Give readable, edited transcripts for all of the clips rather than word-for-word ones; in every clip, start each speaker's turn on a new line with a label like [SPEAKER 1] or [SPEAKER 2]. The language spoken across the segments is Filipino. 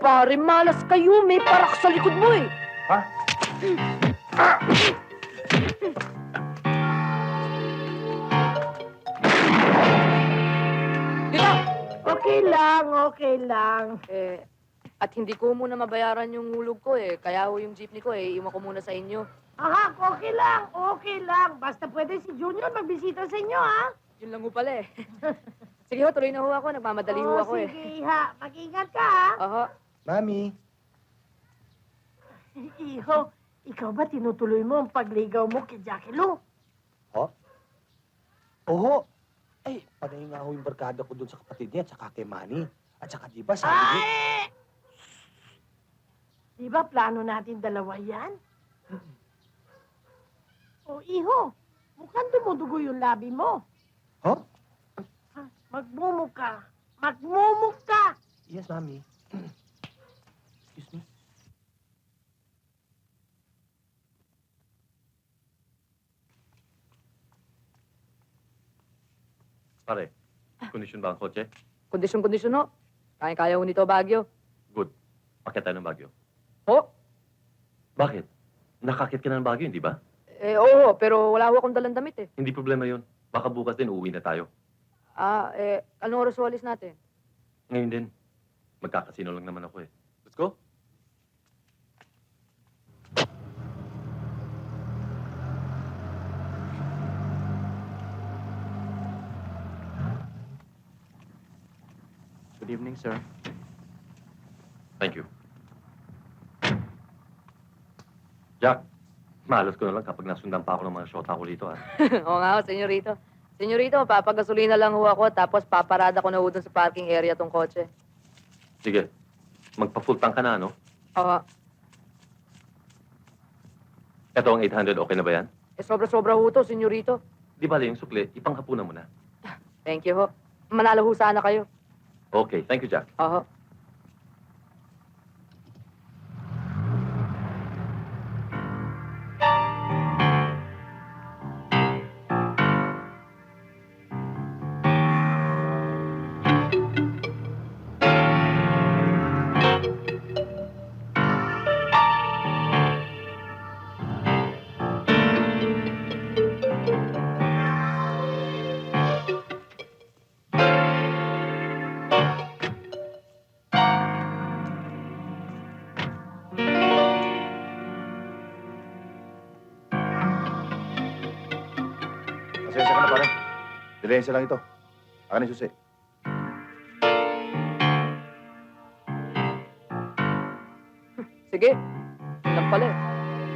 [SPEAKER 1] pare, malas kayo. May parak sa likod mo eh.
[SPEAKER 2] Ha?
[SPEAKER 1] Dito!
[SPEAKER 3] Okay lang.
[SPEAKER 1] At hindi ko muna mabayaran yung hulog ko eh. Kaya ho yung jeepney ko eh, iwan ko muna sa inyo.
[SPEAKER 3] Aha, okay lang. Basta pwede si Junior magbisita sa inyo, ha?
[SPEAKER 1] Yun lang ho pala eh. Sige ho, tuloy na ho ako. Nagmamadali ho ako eh.
[SPEAKER 3] Sige, ha. Mag-ingat ka, ha?
[SPEAKER 1] Aha.
[SPEAKER 2] Mami.
[SPEAKER 3] Iho, ikaw ba tinutuloy mo ang pagligaw mo kay Jackie Lou?
[SPEAKER 2] Ho? Oho. Ay, panay nga ho yung barkada ko doon sa kapatid niya at saka kay Manny. At saka di ba sabi niya...
[SPEAKER 3] Ay! Di ba plano natin dalawa yan? O, iho, mukhang dumudugo yung labi mo.
[SPEAKER 2] Ho?
[SPEAKER 3] Ha? Magmumuka. Magmumuka!
[SPEAKER 2] Yes, Mami. Excuse me.
[SPEAKER 4] Pare, kondisyon ba ang kotse?
[SPEAKER 1] Kondisyon ho. Kaya-kaya ho nito Baguio.
[SPEAKER 4] Good. Pakit tayo ng Baguio.
[SPEAKER 1] Ho?
[SPEAKER 4] Bakit? Nakakit ka na ng Baguio, hindi ba?
[SPEAKER 1] Oo, pero wala ho akong dalang damit eh.
[SPEAKER 4] Hindi problema yun. Baka bukas din uuwi na tayo.
[SPEAKER 1] Anong oras walis natin?
[SPEAKER 4] Ngayon din. Magkakasino lang naman ako eh. Let's go.
[SPEAKER 2] Good evening, sir.
[SPEAKER 4] Thank you. Jack, malos ko na lang kapag nasundan pa ako ng mga shota ko dito, ah.
[SPEAKER 1] Oo nga ho, senyorito. Senyorito, papagasolina lang ho ako tapos paparada ko na ho dun sa parking area tong kotse.
[SPEAKER 4] Sige, magpa-full tank ka na, no?
[SPEAKER 1] Oo.
[SPEAKER 4] Ito ang 800, okay na ba yan?
[SPEAKER 1] Sobra-sobra ho to, senyorito.
[SPEAKER 4] Di bali yung sukli, ipanghapunan mo na.
[SPEAKER 1] Thank you ho. Manalo ho sana kayo.
[SPEAKER 4] Okay, thank you, Jack.
[SPEAKER 1] Oo.
[SPEAKER 5] Pasensya ka na, pare. Dilensya lang ito. Akin yung susi.
[SPEAKER 1] Sige. Yun lang pala eh.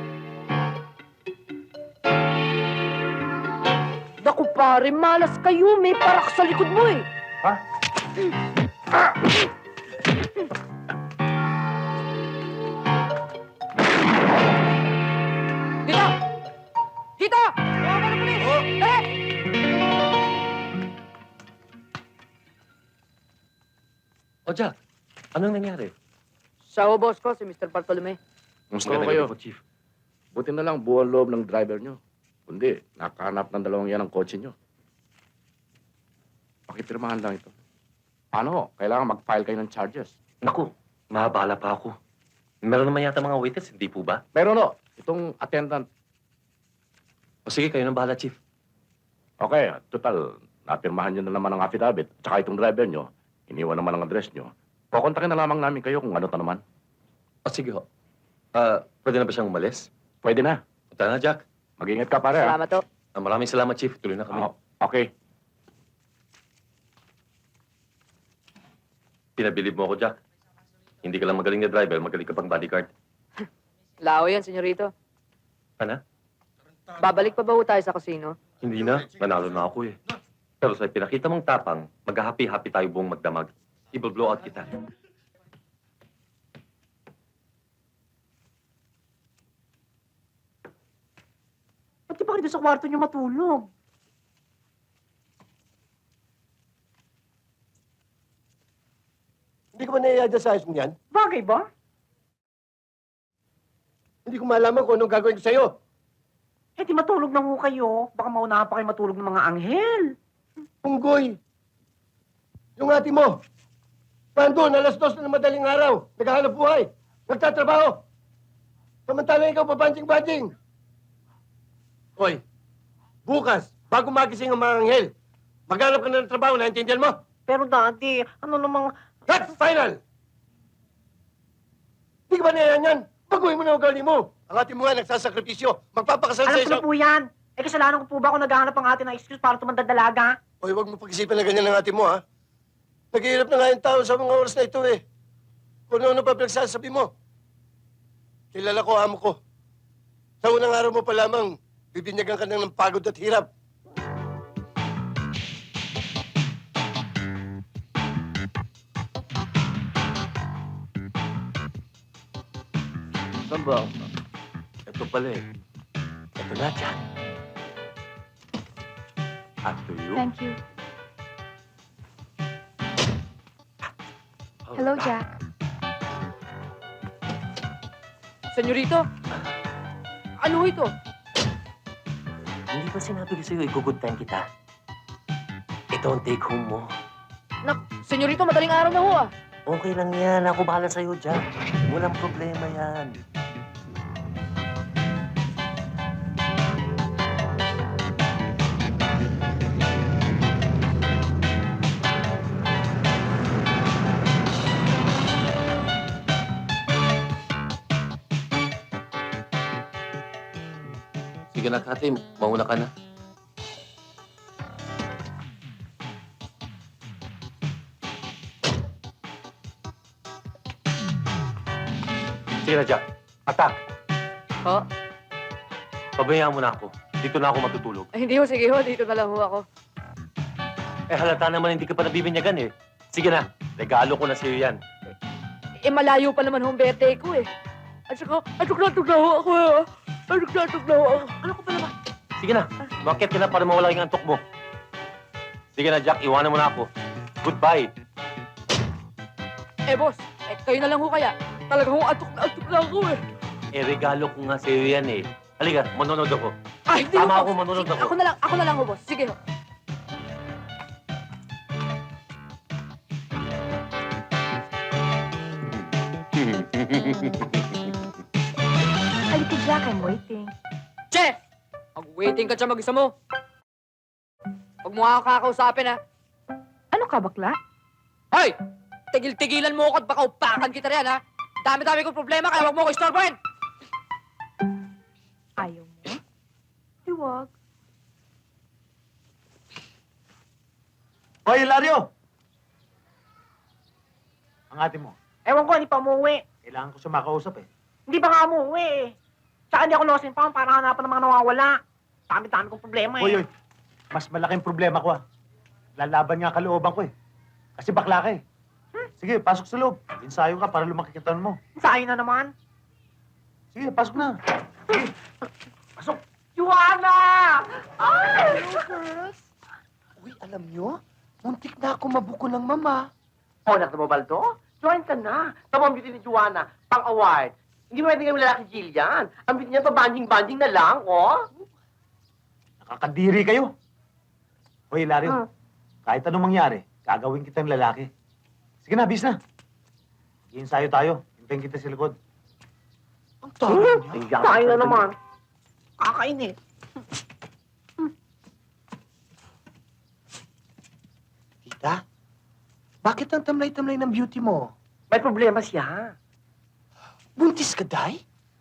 [SPEAKER 1] Naku pare, malas kayo. May parak sa likod mo eh.
[SPEAKER 2] Ha?
[SPEAKER 1] Dito! Dito! Tawagan ng pulis! Dali!
[SPEAKER 4] O, Jack, anong nangyari?
[SPEAKER 1] Siya ho, boss ko, si Mr. Bartolome.
[SPEAKER 5] Gusto
[SPEAKER 4] Magandang
[SPEAKER 5] kayo.
[SPEAKER 4] gabi po, Chief.
[SPEAKER 5] Buti na lang buwan loob ng driver nyo. Kundi, nakahanap ng dalawang yan ang kotse nyo. Pakipirmahan lang ito. Ano? Kailangan mag-file kayo ng charges.
[SPEAKER 4] Naku, mahabala pa ako. Meron naman yata mga witness, hindi po ba?
[SPEAKER 5] Pero no, itong attendant.
[SPEAKER 4] O sige, kayo nang bahala, Chief.
[SPEAKER 5] Okay, total, napirmahan nyo na naman ang affidavit. Tsaka itong driver nyo, iniwan naman ang address nyo. Kukontakin na lamang namin kayo kung ano ta naman.
[SPEAKER 4] O sige ho. Pwede na ba siyang umalis?
[SPEAKER 5] Pwede na.
[SPEAKER 4] Punta na, Jack.
[SPEAKER 5] Mag-ingat ka, pare.
[SPEAKER 1] Salamat ho.
[SPEAKER 4] Maraming salamat, Chief. Tuloy na kami.
[SPEAKER 5] Okay.
[SPEAKER 4] Pinabilib mo ako, Jack. Hindi ka lang magaling na driver, magaling ka pang bodyguard.
[SPEAKER 1] Lao yan, senyorito.
[SPEAKER 4] Ano?
[SPEAKER 1] Babalik pa ba ho tayo sa casino?
[SPEAKER 4] Hindi na. Nanalo na ako eh. Pero sa pinakita mong tapang, mag-happy-happy tayo buong magdamag. I-blow out kita.
[SPEAKER 3] Ba't di ba kayo sa kwarto niyo matulog?
[SPEAKER 2] Hindi ko ba naiadya sa ayos mo yan?
[SPEAKER 3] Bagay ba?
[SPEAKER 2] Hindi ko malaman kung anong gagawin ko sa'yo.
[SPEAKER 3] Eh di matulog na ho kayo. Baka maunahan pa kayo matulog ng mga anghel.
[SPEAKER 2] Punggoy. Yung ate mo.
[SPEAKER 6] Nandun, alas 2 na ng madaling araw. Naghahanap buhay. Nagtatrabaho. Samantalang ikaw pabanjing-banjing. Hoy, bukas, bago magising ang mga anghel, maghanap ka na ng trabaho, naintindihan mo?
[SPEAKER 7] Pero Daddy, ano namang...
[SPEAKER 6] That's final! Di ka ba nayan yan? Baguhin mo na ugali mo. Ang ate mo nga nagsasakripisyo. Magpapakasal
[SPEAKER 7] Alam
[SPEAKER 6] sa
[SPEAKER 7] ko na
[SPEAKER 6] isang...
[SPEAKER 7] po yan. Eh, kasalanan ko po ba kung naghahanap ang ate ng excuse para tumandad dalaga?
[SPEAKER 6] Hoy, huwag mo pag-isipan na ganyan ng ate mo, ha? Naghihirap na nga yung tao sa mga oras na ito, eh. Kung ano pa pinagsasabi mo. Kilala ko, amo ko. Sa unang araw mo pa lamang, bibinyagan ka na ng pagod at hirap.
[SPEAKER 4] Saan ba? Ito pala eh.
[SPEAKER 2] Ito na, Jack.
[SPEAKER 4] After you.
[SPEAKER 8] Thank you.
[SPEAKER 4] Oh,
[SPEAKER 8] Hello, Jack.
[SPEAKER 1] Senyorito? Ano ito?
[SPEAKER 2] Hindi ba sinabi ko sa'yo, i-good time kita? Ito ang take home mo.
[SPEAKER 1] Senyorito, madaling araw na ho ah.
[SPEAKER 2] Okay lang yan. Ako bahala sa'yo, Jack. Walang problema yan.
[SPEAKER 4] Sige na, Kati. Mauna ka na. Sige na, Jack. Attack!
[SPEAKER 1] Ho?
[SPEAKER 4] Pabayaan mo na ako. Dito na ako matutulog.
[SPEAKER 1] Ay, hindi ho, sige ho. Dito na lang ho ako.
[SPEAKER 4] Eh, halata naman hindi ka pa nabibinyagan eh. Sige na. Regalo ko na sa'yo yan.
[SPEAKER 1] Eh, malayo pa naman ho ang birthday ko eh. At saka natug na ho ako eh. Natug na ho ako.
[SPEAKER 7] Ano ko pala ba?
[SPEAKER 4] Sige na. Bakit ka na para mawala yung antok mo? Sige na, Jack. Iwanan mo na ako. Goodbye.
[SPEAKER 1] Eh, boss. Eh, kayo na lang ho kaya. Talaga ho, antok na ako eh.
[SPEAKER 4] Eh, regalo ko nga sa'yo yan eh. Halika, manonood ako.
[SPEAKER 1] Ay, hindi
[SPEAKER 4] Tama
[SPEAKER 1] ho,
[SPEAKER 4] ako,
[SPEAKER 1] boss.
[SPEAKER 4] manunod
[SPEAKER 1] Sige,
[SPEAKER 4] ako.
[SPEAKER 1] Ako na lang ho, boss. Sige ho.
[SPEAKER 8] Halika, Jack. I'm waiting.
[SPEAKER 1] Che! Mag-waiting ka dyan mag-isa mo. Huwag mo nga kakausapin, ha?
[SPEAKER 8] Ano ka, bakla?
[SPEAKER 1] Hoy! Tigil-tigilan mo ako at baka upakan kita riyan, ha? Dami-dami kong problema, kaya huwag mo ako istorbohin!
[SPEAKER 8] Ayaw mo? Di wag.
[SPEAKER 2] Hoy, Hilario! Ang ate mo,
[SPEAKER 7] Ewan ko, hindi pa umuwi.
[SPEAKER 2] kailangan ko siya makausap eh.
[SPEAKER 7] Hindi ba nga umuwi eh. Tsaka hindi ako losin pa para hanapan ng mga nawawala. Dami-dami kong problema eh.
[SPEAKER 9] Hoy, mas malaking problema ko ah. Lalaban nga kalooban ko eh. Kasi bakla ka eh. Sige, pasok sa loob. Ensayo ka para lumaki yung taon mo.
[SPEAKER 7] Sayo na naman.
[SPEAKER 9] Sige, pasok na. Sige, pasok.
[SPEAKER 7] Joanna!
[SPEAKER 2] Uy, alam nyo? Muntik na ako mabuko ng mama.
[SPEAKER 7] Oh, anak na Baldo? Join ka na. Tama ang beauty ni Joanna. Pang-award. Hindi mo pwede kami lalaki Jillian. Ang beauty niya pa banding-banding na lang, oh.
[SPEAKER 9] Nakakadiri kayo. Hoy, Hilario. Kahit anong mangyari, gagawin kitang lalaki. Sige na, bis na. Ensayo tayo. Hintayin kita sa likod.
[SPEAKER 2] Ang tagal niya.
[SPEAKER 7] Sayo na naman. Kakainit.
[SPEAKER 2] Tita, bakit ang tamlay-tamlay ng beauty mo?
[SPEAKER 7] May problema siya.
[SPEAKER 2] Buntis ka, Day?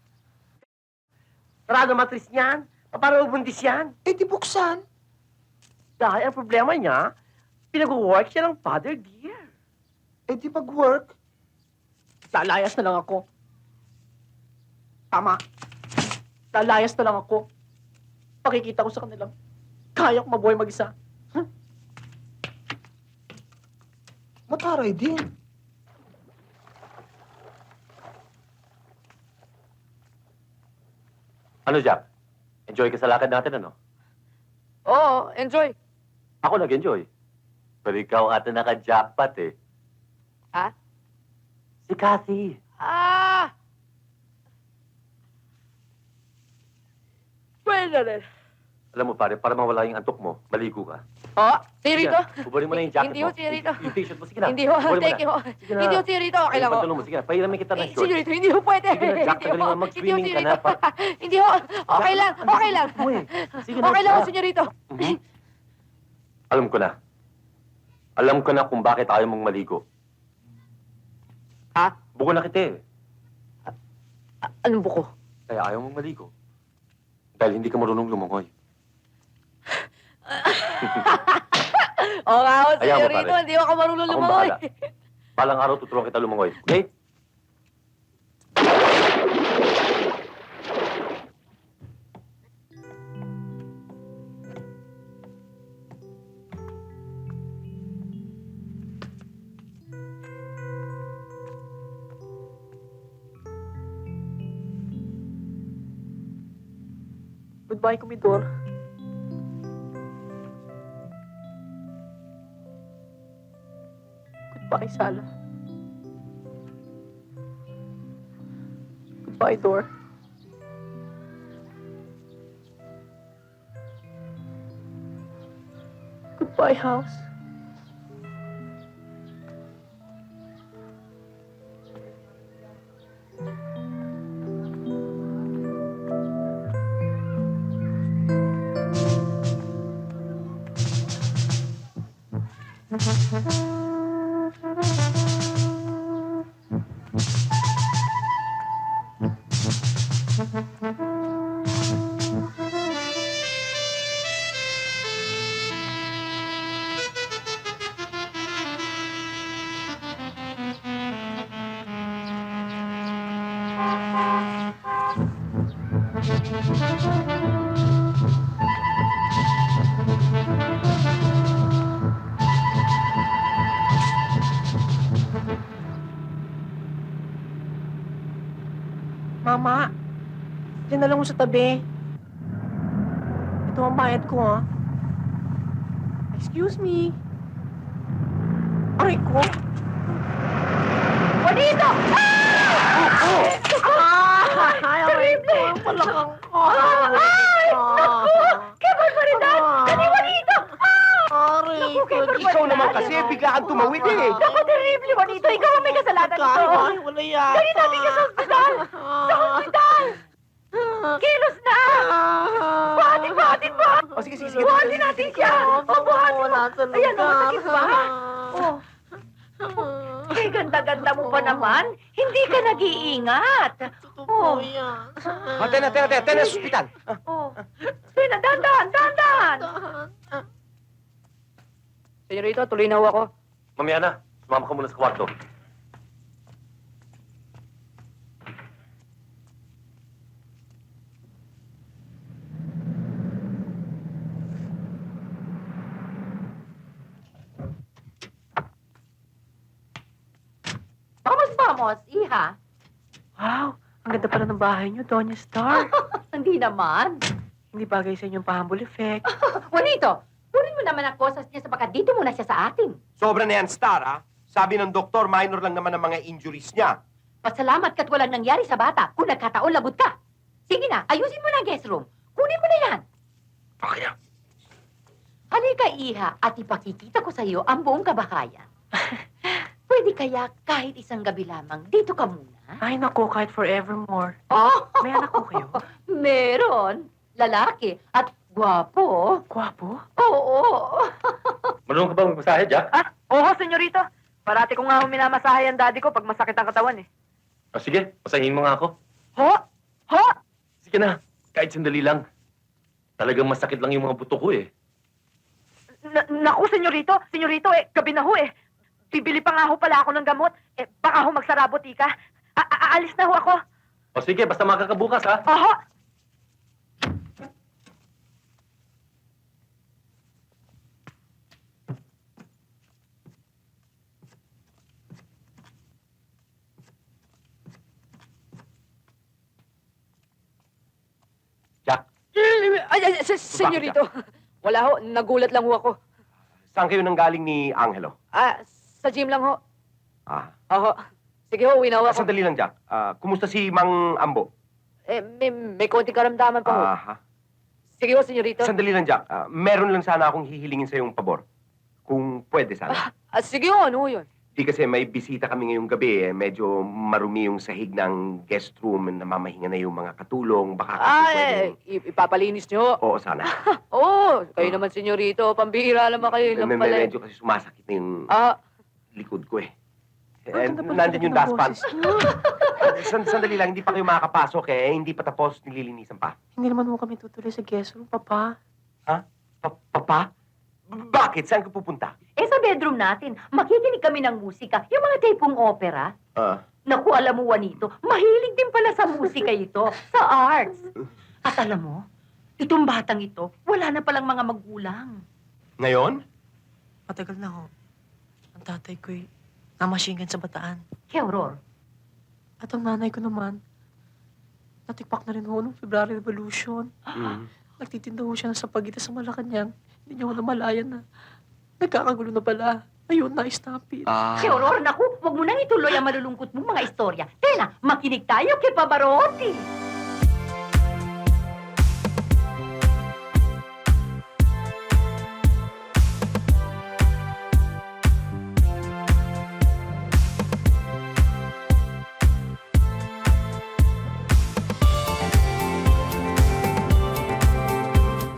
[SPEAKER 7] Sarado matris niyan. Paano ubundis yan?
[SPEAKER 2] Eh, di buksan.
[SPEAKER 7] Dahil ang problema niya, pinag-work siya ng father dear.
[SPEAKER 2] Eh, di mag-work.
[SPEAKER 7] Lalayas na lang ako. Tama. Lalayas na lang ako. Pakikita ko sa kanila. Kaya ko mabuhay mag-isa.
[SPEAKER 2] Mataray din.
[SPEAKER 4] Ano, Jack? Enjoy ka sa lakad natin, ano?
[SPEAKER 1] Oo, enjoy.
[SPEAKER 4] Ako nag-enjoy. Pero ikaw ata naka-jackpot eh.
[SPEAKER 1] Ha?
[SPEAKER 4] Si Kathy.
[SPEAKER 1] Ah! Pwede na rin.
[SPEAKER 4] Alam mo pare, para mawala yung antok mo, maligo ka.
[SPEAKER 1] Ho? Senyorito?
[SPEAKER 4] Ubarin mo na yung jacket
[SPEAKER 1] Hindi
[SPEAKER 4] mo.
[SPEAKER 1] ho, senyorito.
[SPEAKER 4] Yung t-shirt mo, sige na.
[SPEAKER 1] Hindi ho,
[SPEAKER 4] Ubarin mo
[SPEAKER 1] thank
[SPEAKER 4] na.
[SPEAKER 1] you ho.
[SPEAKER 4] Sige na.
[SPEAKER 1] Hindi ho, senyorito. Okay lang ho.
[SPEAKER 4] Yung pantalon mo, sige na. Pahiramin kita ng short.
[SPEAKER 1] Senyorito, hindi ho pwede.
[SPEAKER 4] Sige na, Jack,
[SPEAKER 1] Hindi
[SPEAKER 4] tagaling
[SPEAKER 1] ho.
[SPEAKER 4] mo. Mag-swimming
[SPEAKER 1] Hindi ho,
[SPEAKER 4] ka na.
[SPEAKER 1] senyorito. Hindi ho. Okay lang, okay lang.
[SPEAKER 4] Sige na.
[SPEAKER 1] Okay lang ho, senyorito.
[SPEAKER 4] Mhm. Alam ko na. Alam ko na kung bakit ayaw mong maligo.
[SPEAKER 1] Ha?
[SPEAKER 4] Buko na kita eh.
[SPEAKER 1] Anong buko?
[SPEAKER 4] Kaya ayaw mong maligo. Dahil hindi ka marunong lumangoy.
[SPEAKER 1] Oo nga ho,
[SPEAKER 4] Ayaw mo,
[SPEAKER 1] senyorito.
[SPEAKER 4] pare.
[SPEAKER 1] Hindi ho ako marunong
[SPEAKER 4] Akong
[SPEAKER 1] lumangoy.
[SPEAKER 4] bahala. Balang araw tuturuan kita lumangoy. Okay?
[SPEAKER 7] Goodbye, Kumidor. Goodbye, Sala. Goodbye, Dor. Goodbye, house. Mama, dinala mo sa tabi. Ito ang bayad ko, ha? Excuse me. Aray ko.
[SPEAKER 3] Juanito!
[SPEAKER 7] Ay, aray ko. Ang palakang ko.
[SPEAKER 3] Ay! Naku! Kaya barbaridad! Kani Juanito!
[SPEAKER 7] Aray
[SPEAKER 3] Naku,
[SPEAKER 7] ko.
[SPEAKER 3] kay barbaridad!
[SPEAKER 2] Ikaw naman kasi, biglaan tumawid eh.
[SPEAKER 3] Naku, terrible, Juanito! Ikaw ang may kasalanan nito!
[SPEAKER 7] Ay, wala yata.
[SPEAKER 3] Dali natin ka sa ospital! Sa ospital! Kilos na! Buhatin mo! Buhatin mo!
[SPEAKER 2] O sige, sige, sige.
[SPEAKER 3] Buhatin natin siya! O, buhatin mo! Ayan, o, masakit ba? Oh. Eh, ganda-ganda mo pa naman. Hindi ka nag-iingat.
[SPEAKER 7] Totoo yan.
[SPEAKER 2] Tena, sa ospital.
[SPEAKER 3] Oh. Sina, dahan-dahan, dahan-dahan.
[SPEAKER 1] Senyorito, tuloy na ho ako.
[SPEAKER 4] Mamaya na. Sumama ka muna sa kwarto.
[SPEAKER 3] Vamos, iha.
[SPEAKER 7] Wow, ang ganda pala ng bahay niyo, Doña Star.
[SPEAKER 3] Hindi naman.
[SPEAKER 7] Hindi bagay sa inyong pahambol effect.
[SPEAKER 3] Juanito, kunin mo naman ang kosas niya sapagkat dito muna siya sa atin.
[SPEAKER 2] Sobra na yan, Star, ha? Sabi ng doktor, minor lang naman ang mga injuries niya.
[SPEAKER 3] Pasalamat ka't walang nangyari sa bata. Kung nagkataon, lagot ka. Sige na, ayusin mo na ang guest room. Kunin mo na yan.
[SPEAKER 5] Okay na.
[SPEAKER 3] Halika, iha, at ipakikita ko sa iyo ang buong kabahayan. Pwede kaya kahit isang gabi lamang, dito ka muna?
[SPEAKER 7] Ay, naku, kahit forevermore.
[SPEAKER 3] Oh,
[SPEAKER 7] May anak ko kayo?
[SPEAKER 3] meron. Lalaki at gwapo.
[SPEAKER 7] Gwapo?
[SPEAKER 3] Oo.
[SPEAKER 4] Marunong ka ba magmasahe, Jack?
[SPEAKER 1] Ah, oo, senyorito. Parati ko nga ho minamasahe ang daddy ko pag masakit ang katawan eh.
[SPEAKER 4] O sige, masahin mo nga ako.
[SPEAKER 1] Ho? Ho?
[SPEAKER 4] Sige na, kahit sandali lang. Talagang masakit lang yung mga buto ko eh.
[SPEAKER 1] Naku, senyorito. Senyorito, gabi na ho eh. Bibili pa nga ho pala ako ng gamot. Baka ho magsarabot, ika. Aalis na ho ako.
[SPEAKER 4] O sige, basta makakabukas ha.
[SPEAKER 1] Oho.
[SPEAKER 4] Jack,
[SPEAKER 1] Senyorito. Wala ho, nagulat lang ho ako.
[SPEAKER 2] Saan kayo nanggaling ni Angelo?
[SPEAKER 1] Sa gym lang ho.
[SPEAKER 2] Ah,
[SPEAKER 1] Oho. Sige ho, uwi na ho ako.
[SPEAKER 2] sandali lang, Jack. Kumusta si Mang Ambo?
[SPEAKER 1] May konting karamdaman pa ho.
[SPEAKER 2] Aha.
[SPEAKER 3] Sige ho, senyorito.
[SPEAKER 10] Sandali lang, Jack. Meron lang sana akong hihilingin sa yung pabor. Kung pwede sana.
[SPEAKER 3] Sige ho, ano ho yun?
[SPEAKER 10] Di kasi may bisita kami ngayong gabi. Medyo marumi yung sahig ng guest room. Namamahinga na yung mga katulong. Baka kasi pwedeng...
[SPEAKER 3] Ipapalinis nyo.
[SPEAKER 10] Oo, sana.
[SPEAKER 3] Oo, kayo naman, senyorito. Pambihira naman kayo lang pala.
[SPEAKER 10] Medyo kasi sumasakit na yung
[SPEAKER 3] Ah,
[SPEAKER 10] likod ko eh.
[SPEAKER 7] Ganda pala
[SPEAKER 10] Nandyan yung
[SPEAKER 7] ng
[SPEAKER 10] dustpan.
[SPEAKER 7] boses niyo.
[SPEAKER 10] Sandali lang, hindi pa kayo makakapasok eh. Hindi pa tapos, nililinisan pa.
[SPEAKER 7] Hindi naman mo kami tutuloy sa guest room, Papa.
[SPEAKER 10] Papa? Bakit? Saan ka pupunta?
[SPEAKER 3] sa bedroom natin, makikinig kami ng musika. Yung mga tipong opera. Naku, alam mo, Juanito, mahilig din pala sa musika ito, sa arts. At alam mo, itong batang ito, wala na palang mga magulang.
[SPEAKER 10] Ngayon?
[SPEAKER 7] Matagal na ho. Ang tatay ko'y namashingan sa Bataan.
[SPEAKER 3] Kaya, Aurora,
[SPEAKER 7] At ang nanay ko naman, natikpak na rin ho nung February Revolution. Nagtitinda ho siya sa pagitan sa Malacanang. Hindi niya ho namalayan na nagkakagulo na pala. Ayun, na-stampede.
[SPEAKER 3] kaya, Aurora, naku, wag mo nang ituloy ang malulungkot mong mga istorya. Tena, makinig tayo kay Pavarotti.